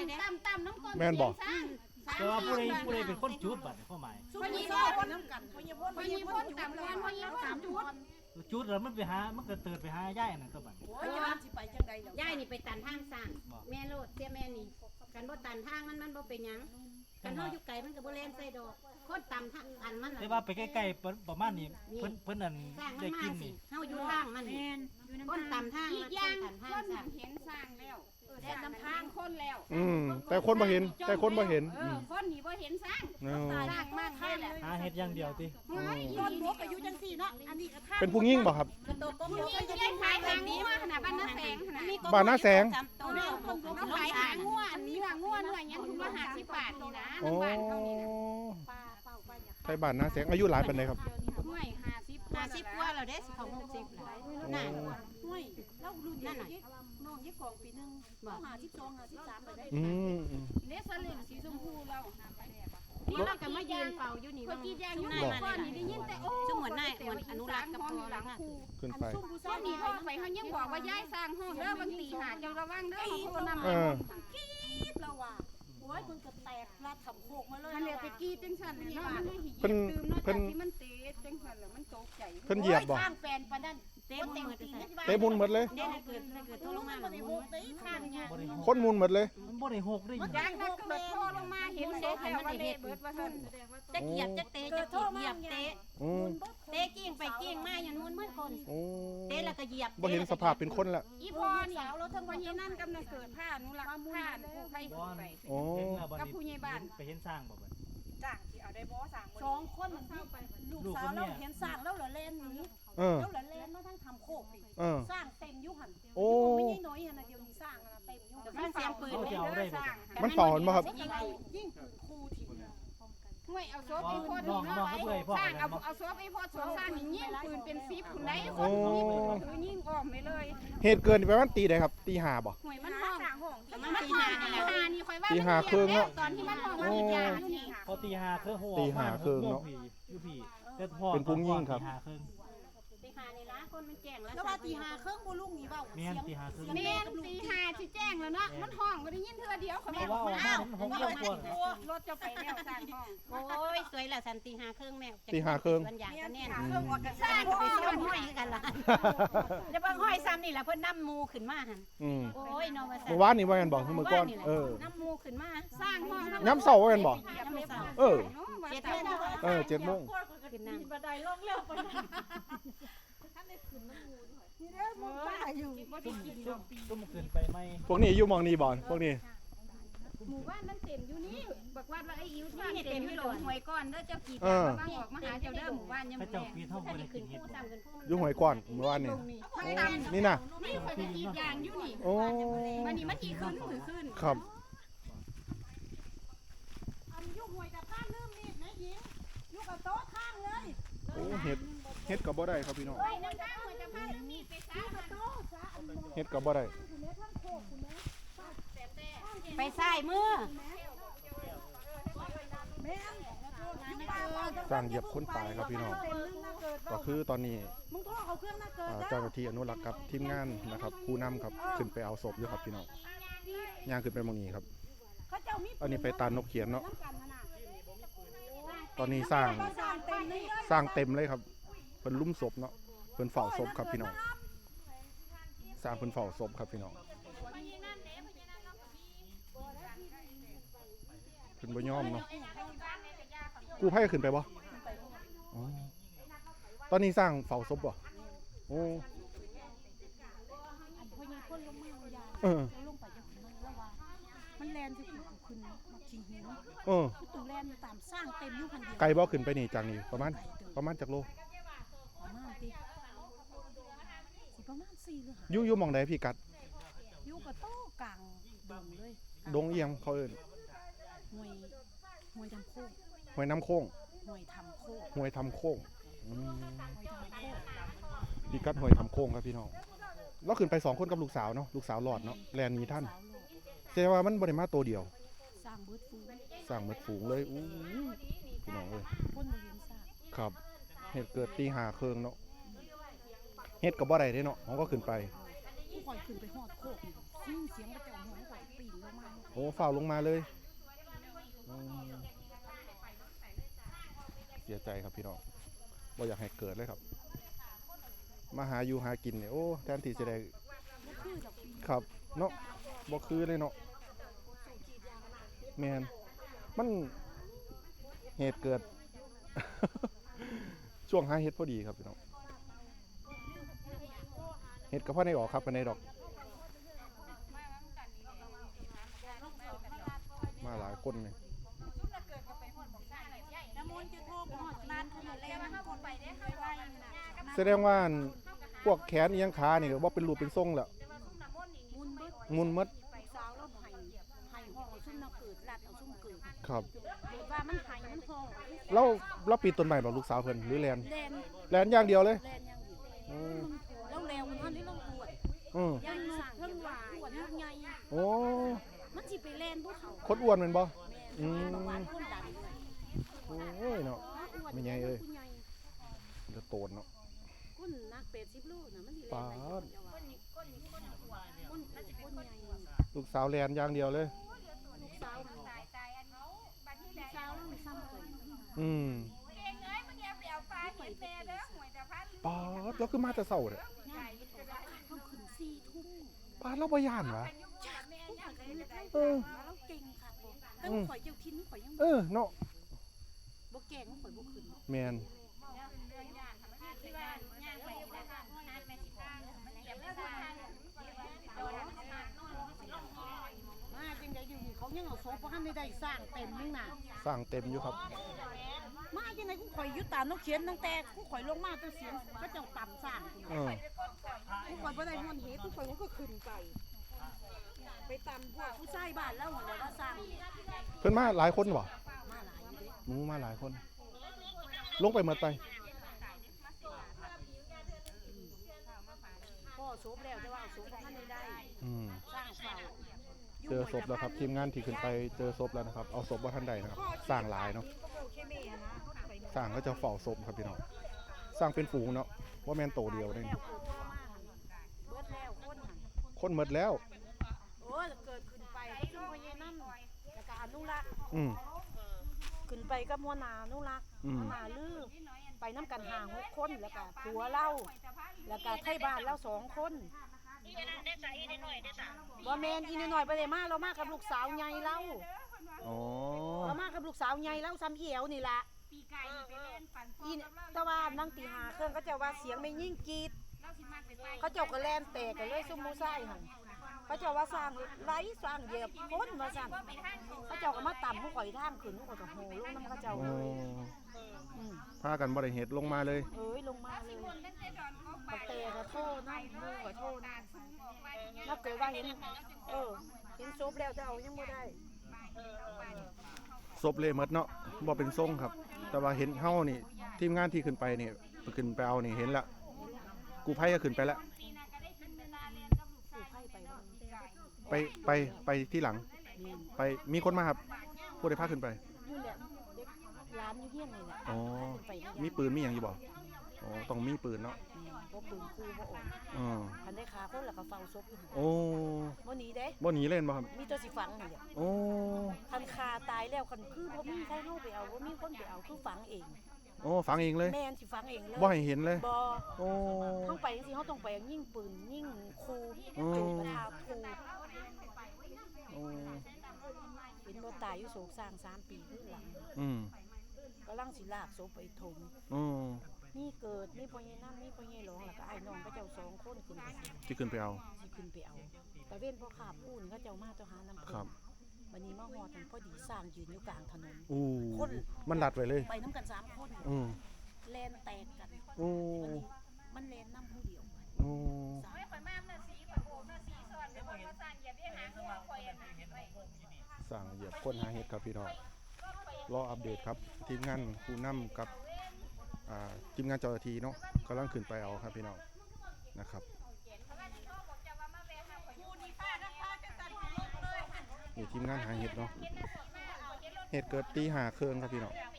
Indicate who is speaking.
Speaker 1: ต่ำน้ำก้น
Speaker 2: แม่นบอก
Speaker 3: แต่ว่าผู้ใดเป็นคนจุดบัดข้อหมาย
Speaker 1: พอยีพ่นน้ำกันพอยีพ่นต่ำก้อนพอยีพ่นต่ำจุด
Speaker 3: จุดแล้วมันไปหามันก็เติดไปหาย่ายนั่นก็บัด
Speaker 1: โอ้ยย้อนสิไปจังใดย่ายนี่ไปตันทางสร้างแม่โลดเสียแม่นี่กันบ่ตันทางมันบ่เป็นหยังกันเฮาอยู่ไกลมันก็บ่แล่นใส่ดอกคนต่ำทางอันมัน
Speaker 3: แต่ว่าไปใกล้ๆประมาณนี้เพิ่นนั่น
Speaker 1: สร้างมั
Speaker 3: ได้
Speaker 1: นมา
Speaker 3: กิน
Speaker 1: สิ
Speaker 3: นี่
Speaker 1: เฮาอยู่ทางมันคนต่ำทาง
Speaker 4: อีกอย่าง
Speaker 1: คน
Speaker 4: ค
Speaker 1: ต่ำทาง
Speaker 4: น
Speaker 1: สร้าง
Speaker 4: เห็นสร้างแล้วแต่นำทางคนแล้ว
Speaker 2: แต่คนบ่เห็น
Speaker 4: คนนี่บ่เห็นสร้าง
Speaker 2: ส
Speaker 4: สร้างมากแค่แหละ
Speaker 3: หาเฮ็ดอย่างเดียวติ
Speaker 4: ต้นพกอายุจังสี่เนาะอันนี้ก็ท่า
Speaker 2: เป็นผู้ยิ่งบ่ครับ
Speaker 4: ผู้หญิงที่ได้ขายหางงัวขนาดบ้านน้าแสงขนาด
Speaker 2: บ้านหน้าแสง
Speaker 4: เขาขายหางงัวเนื้อยังถุงละ50 บาทนี่นะ
Speaker 2: โอ้
Speaker 4: บ้านเขานี่นะ
Speaker 2: ไทยบ้านหน้าแสงอายุหลายปานใดครับ
Speaker 4: ห้วย
Speaker 1: 50
Speaker 4: 50
Speaker 1: กว่าแล้วเด้สิของ60แล้วน่ะ
Speaker 4: ห้วยแล้วรุ่นนั่นน่ะน้องยี่กองปีนึง52 53ไปได้ เนสลินสีชมพูเรา
Speaker 1: นี่เราก็มายืนเฝ้าอยู่นี่
Speaker 4: คนกีแดงยุ่ง
Speaker 1: มา
Speaker 4: ก้อนนี่ได้ยินแต่โอ้
Speaker 1: ซึ่งเหมือนนายเหมือนอนุรักษ์กับพ่อ
Speaker 4: หลัง
Speaker 1: ค่ะ
Speaker 4: คู
Speaker 2: ขึ้นไป
Speaker 4: ช่วงนี้พ่อไปเขายังบอกว่าย้ายสร้างห้องเด้อบางตีหาเจ้าระวังเด้อเขาโคนำ
Speaker 2: เออ
Speaker 4: เราว่าโอ้ยเพิ่นก็แตกลาดทำโคกมาเลยมันเลยไปกี้จังสันเลยเนาะมันไม่หิ
Speaker 2: เพิ่น
Speaker 4: ดื่มเนาะ
Speaker 2: เพิ่น
Speaker 4: ที่มันเตะจังสันแล้วมันตกใจ
Speaker 2: เพิ่นเหยียบบ่
Speaker 4: ข้างแฟนปานนั้น
Speaker 1: เต็มมือจะใส่
Speaker 2: เตะมุนหมดเลย
Speaker 1: เด็กเกิดโทรลงมาหลังมือ
Speaker 4: ข้างเนี่ย
Speaker 3: บ่ได้หก
Speaker 2: คนมุนหมดเลย
Speaker 3: มันบ่ได้หกได้หยัง
Speaker 4: ยางนักเกิดพ่อลงมาเห็นเด็กแต่ว่าเละเบิดว่าซั่น
Speaker 1: จะเหยียบจะเตะจะเหยียบเตะ
Speaker 2: อืม
Speaker 1: เตะกิ้งไปกิ้งมาอย่างนู้นเหมือนคน
Speaker 2: โอ้
Speaker 1: เตะแล้วก็เหยียบ
Speaker 2: บ่เห็นสภาพเป็นคนละ
Speaker 4: อีพ่อนี่เราทั้งวันนี้นั่นกำลังเกิดผ้านุรักษ์ผ้าผู้ใคร
Speaker 3: บ่
Speaker 4: ไป
Speaker 2: โอ้
Speaker 3: ถึงแล้วบัด
Speaker 4: กับ
Speaker 3: นี้
Speaker 4: ผู้ใหญ่บ้าน
Speaker 3: ไปเห็นสร้างบ่บัด
Speaker 4: จ้างที่เอาได้บ่สั่ง
Speaker 5: สองคนลูกสาวเราเห็นสร้างแล้วเหรอเล่นนี้
Speaker 2: เออ
Speaker 5: แล้วเหรอเล่นมาทั้งทำโคกดิ
Speaker 2: เออ
Speaker 5: สร้างเต็มยุหัน
Speaker 2: โอ้
Speaker 5: ไม่ใช่น้อยนะเดี๋ยวนี้สร้างนะเต็มยุ
Speaker 1: ฟังเสียงปืน
Speaker 3: เขาจะเอาได้บ่
Speaker 2: มันเฝ้ามันบ่ครับ
Speaker 5: ยิ่งปืนคู่ที
Speaker 4: ห่วยเอาซบอีพ่อนี่เนาะสร้างเอาซบอีพ่อสร้างนี่ยิงปืนเป็น10คนใดคนมีปืนถือยิงอ้อมไปเลย
Speaker 2: เหตุเกิดประมาณตีใดครับตีห้าบ่
Speaker 4: ห่วยมันห้องมัน
Speaker 1: ตี
Speaker 4: ห้อ
Speaker 1: หาง
Speaker 4: นี่แหละนี่ค่อยว่า
Speaker 2: ตีห้าครึ่งเนาะ
Speaker 4: ตอนที่มันห้องมันอีกอย่างนี่
Speaker 3: พอตีห้าคือหัว
Speaker 2: ตีห้าครึ่งเนาะ
Speaker 3: อยู่พี่แต่พ่อ
Speaker 2: เป็นผู้ยิ่งครับ
Speaker 3: ตีห้าครึ่ง
Speaker 1: ตีหานี่ละคนมันแจ้งแล้ว
Speaker 5: แล้วว่าตีหาเครื่องบุลุงนี่เบ้า
Speaker 3: แม่นตีห้าครึ่ง
Speaker 4: แม่ตีหาสิแจ้งแล้วเนาะมันห้องบ่ได้ยินเทื่อเดียวเขา
Speaker 3: เพ
Speaker 4: แม่
Speaker 3: ราะว่าออกมามันหกโมงกว่าร
Speaker 4: ถจะไปแล้วสร้างห้อง
Speaker 1: โอ้ยสวยแล้วสันตีหาครึ่งแม่
Speaker 2: ตีห้าครึ่ง
Speaker 1: วันอย่างก็แน่น
Speaker 4: เครื่องออกกัน
Speaker 1: ส
Speaker 4: สร้า
Speaker 1: ร้าง ง
Speaker 4: ห้
Speaker 1: ก็
Speaker 4: อง
Speaker 1: ไปซ้อนห้อยกันละเดี๋ยวบางห้อยซ้ำนี่แหละเพิ่นน้ำมูขึ้นมาหัน
Speaker 2: อืม
Speaker 1: โอ้ยนอนมา
Speaker 2: เมื่อวานนี่ว่ากันบอกเมื่อก่อนเออ
Speaker 1: น้ำมูขึ้นมา
Speaker 4: สร้างห้อง
Speaker 2: ย้ำเสาว่ากันบอก
Speaker 1: น้ำมูเศร้า
Speaker 2: เออ
Speaker 1: 7 โมง
Speaker 2: 7 โมง
Speaker 1: ขึ้นน้ำ
Speaker 5: บันไดลงเร็วไป
Speaker 3: ตุ้มขึ้นไปไหม
Speaker 2: พวกนี้อยู่หมองนี้บ่พวกนี้
Speaker 4: หมู่บ้านมันเต็มอยู่นี่บอกว่าไอ้อิ๋วที่มันเต็มอยู่หลงหวยก้อนเด้อเจ้ากี่
Speaker 2: เออ
Speaker 4: บ้างออกมาหาเจ้าเด้อหมู่บ้านยัง
Speaker 3: พระ
Speaker 4: บ่
Speaker 3: เจ้า
Speaker 4: แน่
Speaker 3: ปีเท่าบ่ได้กิ
Speaker 1: ขึ้
Speaker 3: น
Speaker 1: น
Speaker 3: เห็ด
Speaker 1: ผู้
Speaker 3: บ่
Speaker 1: ซ้ำกันผู้
Speaker 2: อยู่หวยก่อนเมื่อวานนี่ นี่น่ะ
Speaker 4: นี่ข่อยจะกีดยางอยู่นี่
Speaker 2: โอ้
Speaker 4: วันนี้มันกี่ขึ้นมือขึ้น
Speaker 2: ครับ
Speaker 5: อันยุหวยกับข้างลืมนี่นะหญิงยุกับโต๊ะข้างเลย
Speaker 2: โอ้เฮ็ดก็บ่ได้ครับพี่น้อง
Speaker 4: ไปนั่งข้างหัวจะพามีดไปซ่ามัน
Speaker 5: โต๊ะซะอันมอง
Speaker 2: เฮ็ดก็บ่ได้
Speaker 5: คุณแม่ทั้งโคกคุณแม่
Speaker 1: ไปใส่มือ
Speaker 5: แม่ยุป่า
Speaker 2: สร้างเหยียบคนตายครับพี่น้อง
Speaker 5: เต็มนึงนะเกิด
Speaker 2: ก็คือตอนนี้
Speaker 5: มึงโทษเขาเครื่องนะเกิด
Speaker 2: เจ้าหน้าที่อนุรักษ์กับทีมงานนะครับ ผู้นำครับขึ้นไปเอาศพอยู่ครับพี่น้องย่างขึ้นไปหมองนี้ครับ
Speaker 5: เขาเจ้ามี
Speaker 2: อันนี้ไปตานนกเขียนเนาะ
Speaker 5: น้ำกันนะ
Speaker 2: ตอนนี้สร้าง
Speaker 5: สร้างเต็มเลย
Speaker 2: สร้างเต็มเลยครับเพิ่นลุ่มศพเนาะเพิ่นเฝ้าศพครับพี่น้องสร้างเพิ่นเฝ้าศพครับพี่น้องเพิ่นบ่ยอมเนาะกู้ภัยขึ้นไปบ่อ๋อตอนนี้สร้างเฝ้าศพบ่โอ้เออ
Speaker 5: ลงไปจะขึ้นแล้วว่ามันแลนจะขึ้นมาชิงหิน
Speaker 2: เออ
Speaker 5: ตู่แลนอยู่ตามสร้างเต็มอยู่คันเดียว
Speaker 2: ไกลบ่ขึ้นไปนี่จากนี่ประมาณจักโล
Speaker 5: ประมาณติสิประมาณ4หรือ5
Speaker 2: อยู่หม่องใดพี่กัด
Speaker 5: อยู่กับโต๊ะกลางดงเลย
Speaker 2: ดงเอียงเขาเอิ้น
Speaker 5: หวยทำโคก
Speaker 2: ห้วยน้ำโค้ง
Speaker 5: หวยทำโคก
Speaker 2: ห้วยทำโค้งอืม
Speaker 5: หวยทำโคก
Speaker 2: พี่กัดห้วยทำโค้งครับพี่น้องเราขึ้นไป2คนกับลูกสาวเนาะลูกสาวรอดเนาะแลนหนีท่าน
Speaker 5: สาวโลก
Speaker 2: แสดงว่ามันบ่ได้มาตัวเดียว
Speaker 5: สร้างเบิดฟู
Speaker 2: สร้างหมดฝูงเลยอู้พี่น้องเอ้ย
Speaker 5: คนบ่เห็นสร้าง
Speaker 2: ครับเหตุเกิดตี5เครื่องเนาะเฮ็ดก็บ่ได้เด้เนาะเขาก็ขึ้นไป
Speaker 5: ผู้คอยขึ้นไปฮอดโคกนี่สิ้นเสียงกระเจ้าหัวข่อยปีนลงมา
Speaker 2: โอ้อ้ฝ่าวลงมาเลยอืมเสียใจครับพี่น้องบ่อยากให้เกิดเลยครับมาหาอยู่หากินเนี่ยโอ้แทนที่จะได้ครับเนาะบ่คือเลยเนาะแมนมันเหตุเกิด ช่วงหาเห็ดพอดีครับพี่น้องเห็ดกับพ่อในออกครับกันในดอกมาหลายคนเลย
Speaker 5: น้ำมนต์จะโทรบอกนานขนาดแล้วมันคนไปได้ค่อยไวนะ
Speaker 2: แสดงว่าพวกแขนเอียงขานี่ก็บ่เป็นรูปเป็นทรงแล้ว
Speaker 5: มุนเบิด
Speaker 2: มุนหมด
Speaker 5: สาวแล้วไห้ห้องเอาซุ่มน้ำเกิดลัดเอาซุ่มเกิด
Speaker 2: ครับ
Speaker 5: เกิดว่ามันไห้มันห้อง
Speaker 2: เราปีนต้นไม้บ่ลูกสาวเพิ่นหรือแลน
Speaker 5: แลน
Speaker 2: แลนอย่างเดียวเลย
Speaker 5: แลนอย่างเดียว
Speaker 2: อืม
Speaker 5: แล้วแลวมันนี่เราปวด
Speaker 2: อืม
Speaker 5: ยังสั่งเพิ่งหวานปวดลูกใหญ่
Speaker 2: โอ้
Speaker 5: มันสิไปแลนพวกเขา
Speaker 2: คนอ้วนแม่นบ่
Speaker 5: แม่บอกว่าคนดันเลย
Speaker 2: โอ้ยเนาะ ไม่ใหญ่เอ้ย
Speaker 5: ผู้ใหญ่
Speaker 2: จะโตนเนาะ
Speaker 5: คนนัก80 โลน่ะมันสิแลนได้คนเดียวอะคนใหญ่
Speaker 2: ลูกสาวแลนอย่างเดียวเลย
Speaker 5: ลูกสาวมันสาวแล้วมันซ้ำกัน
Speaker 2: อืมป๊าดแล้วคือมาแต่เช้าเด้อ
Speaker 5: ง่ายต้องขึ้น4 ทุ่ม
Speaker 2: ป๊าดเราบ่ย่านวะ
Speaker 5: จากผู้ข่อยก็เฮ็ดให้
Speaker 2: เออ
Speaker 5: แล้วเก่งค่ะบ่แต่ข่อยเจ้าทินข่อยยัง
Speaker 2: เออเนาะ
Speaker 5: บ่แก่งข่อยบ่ขึ้น
Speaker 2: แม่น
Speaker 5: มาจังได๋อยู่นี่เขายังเอาโซฟบ่ทันได้สร้างเต็มนึงน่ะ
Speaker 2: สร้างเต็มอยู่ครับ
Speaker 5: มาจังได๋กูข่อยอยู่ตามนกเขียนตั้งแต่กูข่อยลงมาตั้งเสียงเขาเจ้าต่ำสร้างกู
Speaker 2: เออ
Speaker 5: กูข่อยบ่ได้ม่วนเฮ็ดกูข่อยก็ขึ้นไป ไปตามพวกผู้ชายบ้านแล้วหั่นแหละว่าสร้าง
Speaker 2: เพิ่นมาหลายคนบ่
Speaker 5: มาหลายอยู่เด้
Speaker 2: หนูมาหลายคน ลงไปหมดไป
Speaker 5: พ่อโซฟแล้วแต่ว่าเอาโซฟบ่ทันได้
Speaker 2: อืม
Speaker 5: สร้างเฝ้า
Speaker 2: เจอศพแล้วครับทีมงานที่ขึ้นไปเจอศพแล้วนะครับเอาศพว่าท่านใดนะครับสร้างหลายเนาะสร้างก็จะเฝ้าศพครับพี่น้องสร้างเป็นฝูงเนาะว่าแมนโตเดียวได้
Speaker 5: แล้วเกิดตัวมาหั่นเบิดแล้วคนหั่น
Speaker 2: คนหมดแล้ว
Speaker 5: โอ้ยเกิดขึ้นไปซุ่มพ่อใหญ่นั่นแล้วก็อนุรักษ์
Speaker 2: อืม
Speaker 5: ขึ้นไปกับหัวหน้าอนุรักษ์
Speaker 2: อืม
Speaker 5: หัวหน้าลือไปน้ำกัน5-6 คนแล้วก็ผัวเล่าแล้วก็ไทยบ้านเล่า2 คนบ่แม่นอีนน้อยๆบ่ได้มาเรามากับลูกสาวใหญ่เล่า
Speaker 2: อ๋อ
Speaker 5: เรามากับลูกสาวใหญ่เล่าซ้ำเอียวนี่ล่ะอีนแตะว่านั่งตี5เครื่องเขาเจ้าว่าเสียงไม่ยิ่งกรีดเขาเจ้าก็แล่นแตกกันเลยซุมหมู่ชายหั่นเขาเจ้าว่าสร้างไหลสร้างเหยียบคนว่าซั่นเขาเจ้าก็มาต่ำผู้ข่อยทางขึ้นผู้ข่อยก็โหลงนำเขาเจ้า
Speaker 2: อ๋
Speaker 5: เล
Speaker 2: อย
Speaker 5: อืม
Speaker 2: พากันบริเหตุลงมาเลย
Speaker 5: เอ้ยลงมาเลยบักเตะก็โทษนะมูก็โทษนะนับเกิดว่าเห็นเห็นซบแล้วจะเอายังไม่ได้
Speaker 2: ศพเลยหมดเนาะบ่เป็นทรงครับ แต่ว่าเห็นเฮานี่ทีมงานที่ขึ้นไปนี่ขึ้นไปเอานี่เห็นละกูภัยก็ขึ้นไปแล้ว
Speaker 5: สู่ไพ่ไปว่า
Speaker 2: ไปที่หลัง
Speaker 5: นี่
Speaker 2: ไปมีคนมาครับผู้ใดพาขึ้นไป
Speaker 5: อยู่แหละเด็กร้านอยู่เฮี้ยนนี่แหละ
Speaker 2: อ๋อ
Speaker 5: ขึ้นไปนี่
Speaker 2: มีปืนมีอย่างอยู่บ่อ๋อต้องมีปืนเนาะ
Speaker 5: บ่ปืนคู่บ่ออก
Speaker 2: อ๋อ
Speaker 5: คันได้ขาคนแล้วก็เฝ้าซบอยู่หั่น
Speaker 2: โอ้
Speaker 5: บ่หนีเด้
Speaker 2: บ่หนีเล่นบ่ครับ
Speaker 5: มีตัวสิฝังนี่แหละ
Speaker 2: โอ้
Speaker 5: คันคาตายแล้วคันคือบ่มีใครเฮาไปเอาบ่มีคนไปเอาคือฝังเอง
Speaker 2: โอ้ฝังเองเลย
Speaker 5: แม่นสิฝังเองเลย
Speaker 2: บ่ให้เห็นเลย
Speaker 5: บ่
Speaker 2: โอ้
Speaker 5: เฮาไปจังซี่เฮาต้องไปยิงปืนยิงคู่
Speaker 2: อืม
Speaker 5: จุดประทาคู่
Speaker 2: โอ้
Speaker 5: เห็นบ่ตายอยู่โศกสร้าง3 ปีขึ้นหลัง
Speaker 2: อืม
Speaker 5: กำลังสิลากศพไปถม
Speaker 2: อืม
Speaker 5: นี่เกิดนี่พ่อใหญ่น้ำนี่พ่อใหญ่หลองแล้วก็ไอ้น้องก็เจ้า2 คนขึ้นไปสิ
Speaker 2: ที่ขึ้นไปเอา
Speaker 5: ขึ้นไปเอาแต่เว้นพ่อขาพูนเขาเจ้ามาเจ้าหาน้ำ
Speaker 2: ค
Speaker 5: เพิ่
Speaker 2: รั
Speaker 5: น
Speaker 2: บ
Speaker 5: วันนี้มาฮอดกันพอดีสร้างยืนอยู่กลางถนน
Speaker 2: อู้มันลัดไว้เลย
Speaker 5: ไปน้ำกัน3 คน
Speaker 2: อืม
Speaker 5: แลนแตกกัน
Speaker 2: โอ้
Speaker 5: วันนี้มันแลนน้ำผู้เดียว
Speaker 2: โอ้
Speaker 5: สาม
Speaker 2: สั่งเหยียบคนหาเห็ดครับพี่น้องรออัปเดตครับทีมงานผู้นำกับทีมงานเจ้าหน้าที่เนาะกำลังขึ้นไปเอาครับพี่น้องนะครับนี่ทีมงานหาเห็ดเนาะเห็ดเกิดตี 5 เครื่องครับพี่น้อง